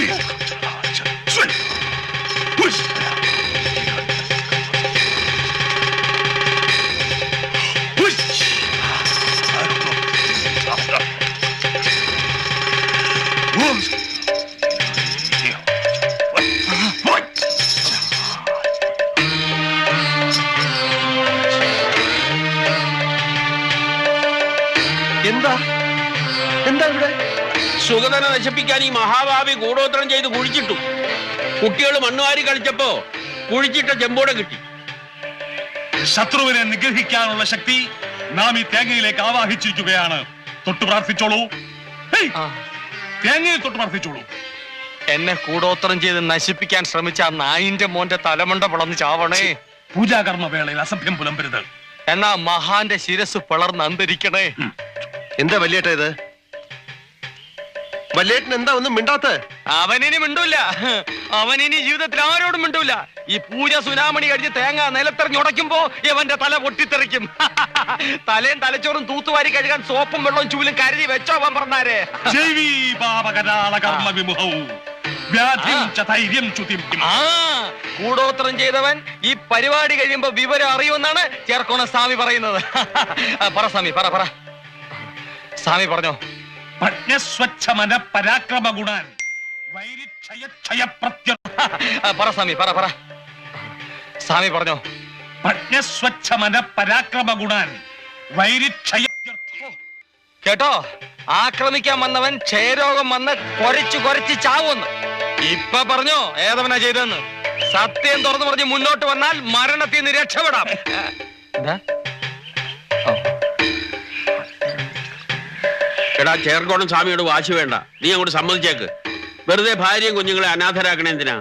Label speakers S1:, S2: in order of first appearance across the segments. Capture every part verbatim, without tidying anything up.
S1: എന്താ എന്താ ഇവിടെ?
S2: സുഗതനെ നശിപ്പിക്കാൻ ഈ മഹാഭാവി കൂടോത്രം ചെയ്ത് കുഴിച്ചിട്ടു. കുട്ടികൾ മണ്ണുവാരി കളിച്ചപ്പോ കുഴിച്ചിട്ട ചെമ്പോടെ കിട്ടി.
S3: ശത്രുവിനെ നിഗ്രഹിക്കാനുള്ള ശക്തി നാം ഈ തേങ്ങയിലേക്ക് ആവാഹിച്ചിരിക്കുകയാണ്. തൊട്ടു പ്രാർത്ഥിച്ചോളൂ. തേങ്ങയിൽ തൊട്ട് പ്രാർത്ഥിച്ചോളൂ.
S1: എന്നെ കൂടോത്രം ചെയ്ത് നശിപ്പിക്കാൻ ശ്രമിച്ച ആ നായിന്റെ മോന്റെ തലമണ്ട പിളർന്ന് ചാവണേ.
S3: പൂജാകർമ്മ വേളയിൽ അസഭ്യം പുലമ്പരുത്.
S1: എന്നാ മഹാന്റെ ശിരസ് പിളർന്ന് അന്തരിക്കണേ.
S4: എന്താ വല്യേട്ട ഇത്? വല്യേട്ടൻ എന്താ ഒന്നും മിണ്ടാത്ത?
S1: അവനിനി മിണ്ടൂല. അവനിനി ജീവിതത്തിൽ ആരോടും മിണ്ടൂല. ഈ പൂജ സുനാമണി കഴിഞ്ഞ് തേങ്ങ നിലത്തെറിഞ്ഞ് ഉടയ്ക്കുമ്പോ ഇവന്റെ തല പൊട്ടിത്തെറിക്കും. തലയും തലച്ചോറും തൂത്തുവാരി കഴുകാൻ സോപ്പും വെള്ളവും ചൂലും കരുതി വെച്ചോ അവൻ പറഞ്ഞാരേ. ആ കൂടോത്രം ചെയ്തവൻ ഈ പരിപാടി കഴിയുമ്പോ വിവരം അറിയുമെന്നാണ് ചേർക്കോണ സ്വാമി പറയുന്നത്. പറ സ്വാമി, പറ പറ സ്വാമി പറഞ്ഞോ.
S3: പരാക്രമ ഗുണാൻ
S1: പറ സ്വാമി, പറ പറ സ്വാമി പറഞ്ഞോ.
S3: പരാക്രമ ഗുണാൻ
S1: കേട്ടോ, ആക്രമിക്കാൻ വന്നവൻ ക്ഷയരോഗം വന്ന് കൊരച്ചു കൊരച്ച് ചാവുമെന്ന്. ഇപ്പൊ പറഞ്ഞോ ഏതവനാ ചെയ്തെന്ന്. സത്യം തുറന്നു പറഞ്ഞ് മുന്നോട്ട് വന്നാൽ മരണത്തിൽ നിന്ന് രക്ഷപ്പെടാം.
S2: എടാ ചേർക്കോണം സ്വാമിയോട് വാശി വേണ്ട. നീ അങ്ങോട്ട് സമ്മതിച്ചേക്ക്. വെറുതെ ഭാര്യയും കുഞ്ഞുങ്ങളെ അനാഥരാക്കണേ എന്തിനാ?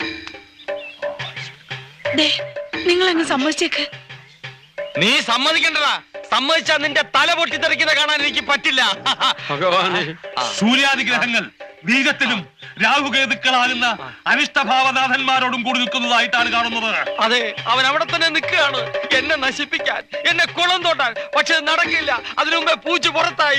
S5: നിങ്ങൾ അങ്ങ് സമ്മതിച്ചേക്ക്.
S1: നീ സമ്മതിക്കണ്ടടാ. സമ്മതിച്ചാ നിന്റെ തല പൊട്ടിത്തെറിക്കുന്ന കാണാൻ എനിക്ക് പറ്റില്ല.
S2: ഭഗവാനെ,
S3: സൂര്യാദിഗ്രഹങ്ങൾ ബീജത്തിലും രാഹുകേതുക്കളാകുന്ന അനിഷ്ടഭാവനാഥന്മാരോടും കൂടി നിൽക്കുന്നതായിട്ടാണ് കാണുന്നത്.
S1: അതെ, അവൻ അവിടെ തന്നെ നിൽക്കുകയാണ് എന്നെ നശിപ്പിക്കാൻ, എന്നെ കുളം തോട്ടാൻ. പക്ഷെ നടക്കില്ല. അതിനു മുമ്പേ പൂച്ച പുറത്തായി.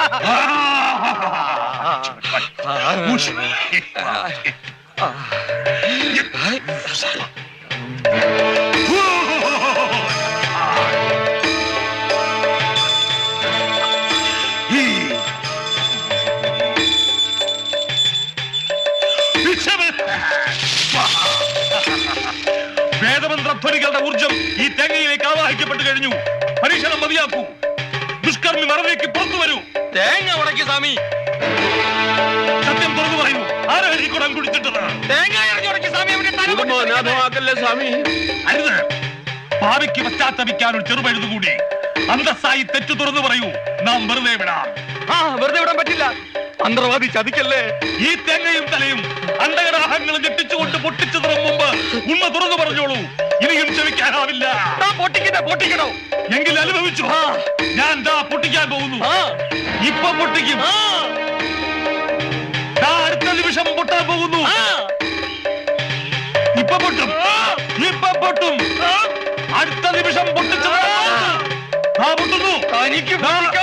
S3: വേദമന്ത്രധ്വനികളുടെ ഊർജം ഈ തേങ്ങയിലേക്ക് ആവാഹിക്കപ്പെട്ടു കഴിഞ്ഞു. പരീക്ഷണം മതിയാക്കൂ. ദുഷ്കർമ്മി മറവിലേക്ക് പുറത്തു വരൂ.
S1: തേങ്ങ ഉടക്കി സ്വാമി.
S3: സത്യം തുറന്നു പറയൂ. ആരാണ് ഈ കുടം കുടിച്ചിട്ടത്?
S1: തേങ്ങ ഉടക്കി സ്വാമി.
S2: കുടുംബം അനാഥമാക്കല്ലേ സ്വാമി.
S3: അരുത്. ഭാവിക്ക് പശ്ചാത്തപിക്കാൻ ഒരു ചെറുപഴുതുകൂടി. അന്തസ്സായി തെറ്റു തുറന്നു പറയൂ. നാം വെറുതെ വിടാം.
S1: ആ വെറുതെ വിടാൻ പറ്റില്ല. മന്ത്രവാദി ചതിക്കല്ലേ.
S3: ഈ തേങ്ങയും തലയും അണ്ടകടാഹങ്ങളും ഞെട്ടിച്ചുകൊണ്ട് പൊട്ടിച്ചതിന് മുമ്പ് ഉമ്മ തുറന്നു പറഞ്ഞോളൂ. ഇനിയും ക്ഷമിക്കാനാവില്ല.
S1: പൊട്ടിക്കണോ പൊട്ടിക്കണോ
S3: എങ്കിൽ അനുഭവിച്ചു. ഞാൻ ദാ പൊട്ടിക്കാൻ പോകുന്നു. ഇപ്പൊ പൊട്ടിക്കും. അടുത്ത നിമിഷം പൊട്ടാൻ പോകുന്നു. ഇപ്പൊ പൊട്ടും. ഇപ്പൊ പൊട്ടും. അടുത്ത നിമിഷം പൊട്ടിച്ചത് പൊട്ടുന്നു.
S1: എനിക്ക്